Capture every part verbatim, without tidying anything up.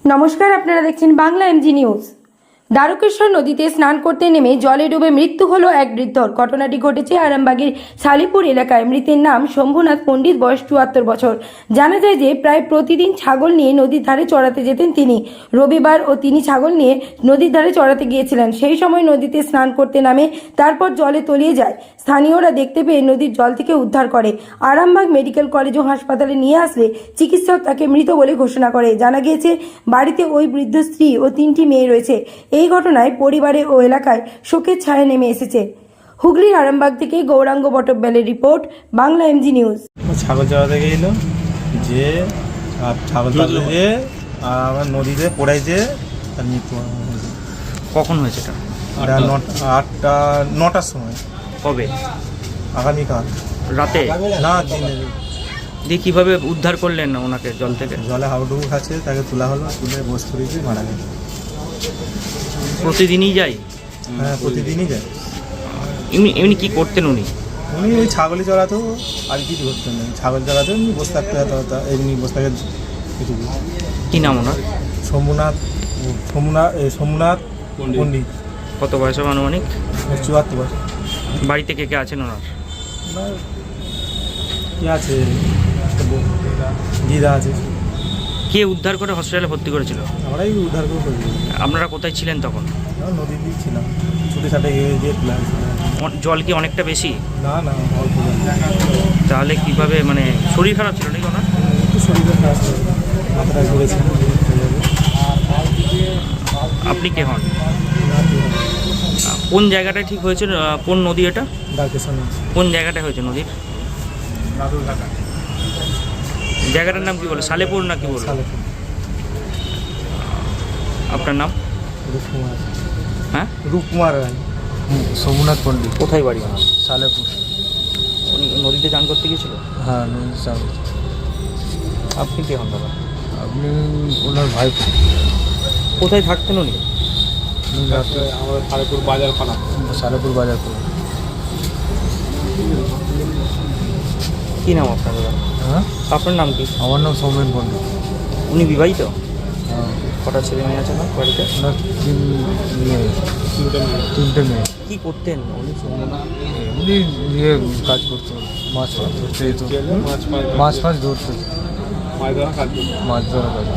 নমস্কার, আপনারা দেখছেন বাংলা এমজি নিউজ। দ্বারকেশ্বর নদীতে স্নান করতে নেমে জলে ডুবে মৃত্যু হলো এক বৃদ্ধর। ঘটনাটি ঘটেছে আরামবাগের শালিপুর এলাকায়। মৃতের নাম শম্ভুনাথ পণ্ডিত, বয়স চুয়াত্তর বছর। জানা যায় যে প্রায় প্রতিদিন ছাগল নিয়ে নদীর ধারে চড়াতে যেতেন তিনি। রবিবার ও তিনি ছাগল নিয়ে নদীর ধারে চড়াতে গিয়েছিলেন। সেই সময় নদীতে স্নান করতে নামে, তারপর জলে তলিয়ে যায়। স্থানীয়রা দেখতে পেয়ে নদীর জল থেকে উদ্ধার করে আরামবাগ মেডিকেল কলেজ ও হাসপাতালে নিয়ে আসলে চিকিৎসক তাকে মৃত বলে ঘোষণা করে। জানা গিয়েছে বাড়িতে ওই বৃদ্ধ স্ত্রী ও তিনটি মেয়ে রয়েছে। এই ঘটনায় পরিবারে ও এলাকায় শোকের ছায়া নেমে এসেছে। হুগলির আরামবাগ থেকে গৌরাঙ্গ বটব্যালের রিপোর্ট, বাংলা এমজি নিউজ। ছাগল চড়াতে গেছিল যে আর ছাগল চড়াতে যে আর আমার নদীতে পড়াইছে, তার মৃত্যু হয়েছে। কখন হয়েছে এটা? এটা নটা আটটা নটার সময়। কবে? আগামীকাল রাতে? না, দিনে। দিয়ে কীভাবে উদ্ধার করলেন ওনাকে জল থেকে? জলে হাবুডুবু খাচ্ছে, তাকে তোলা হলো, তুলে বস করেছি, মারা গেছে। প্রতিদিনই যাই? হ্যাঁ, প্রতিদিনই যায়। এমনি এমনি কী করতেন উনি? উনি ওই ছাগলই চড়াতো, আর কিছু করতেন না। ছাগল চড়াতো, এমনি বসে থাকতে হতো, এমনি বসে থাকে কিছু। কী নাম ওনার? শম্ভুনাথ শম্ভুনাথ শম্ভুনাথ পণ্ডিত। কত বয়স হবে আনুমানিক? চুয়াত্তর বছর। বাড়িতে কে কে আছেন ওনার? কি আছে, দিদা আছে। কে উদ্ধার করে হসপিটালে ভর্তি করেছিল? আমরাই উদ্ধার করে করি। আপনারা কোথায় ছিলেন তখন? নদীতেই ছিলাম, ছুটে ছাটে গিয়ে গিয়ে তুলে আনছিলাম। অন- জল কি অনেকটা বেশি? না না, অল্প জল। তাহলে কীভাবে, মানে শরীর খারাপ ছিল নাকি ওনার? একটু শরীরে খারাপ ছিল, মাথাটা ঘুরেছে। আপনি কে হন? কোন জায়গাটা ঠিক হয়েছে? কোন নদী এটা? ডাকের কোন জায়গাটা হয়েছে নদীর? জায়গাটার নাম কি বলে? সালেপুর না কি বলে? সালেপুর। আপনার নাম? রূপকুমার। হ্যাঁ, রূপকুমার রায়। সোমনাথ পণ্ডিত। কোথায় বাড়ি ওনার? সালেপুর। উনি নদীতে চান করতে গিয়েছিল? হ্যাঁ, নদী চাল। আপনি কে হন দাদা? আপনি ওনার ভাই? কোথায় থাকতেন উনি? আমাদের সালেপুর বাজার খানা। সালেপুর বাজার খানা। কী নাম আপনার দাদা? হ্যাঁ, আপনার নাম কি? আমার নাম সৌমেন পণ্ডিত। উনি বিবাহিত? হ্যাঁ। কটা ছেলে মেয়ে আছে না বাড়িতে? ওনার তিন মেয়ে। তিনটে মেয়ে। কী করতেন উনি? এমনি ইয়ে কাজ করতো, মাছ ফাছ ধরতে যেত। মাছ ফাছ ধরতো, মাছ ধরা কাজ।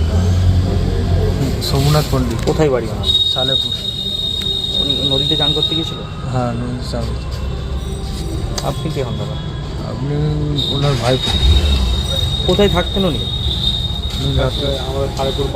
সোমনাথ পণ্ডিত। কোথায় বাড়ি ওনার? সালেপুর। উনি নদীতে চান করতে গিয়েছিল? হ্যাঁ, নদী চাল। আপনি কে হন দাদা? আপনি ওনার ভাই? কোথায় থাকতেন উনি? আমাদের সালেপুর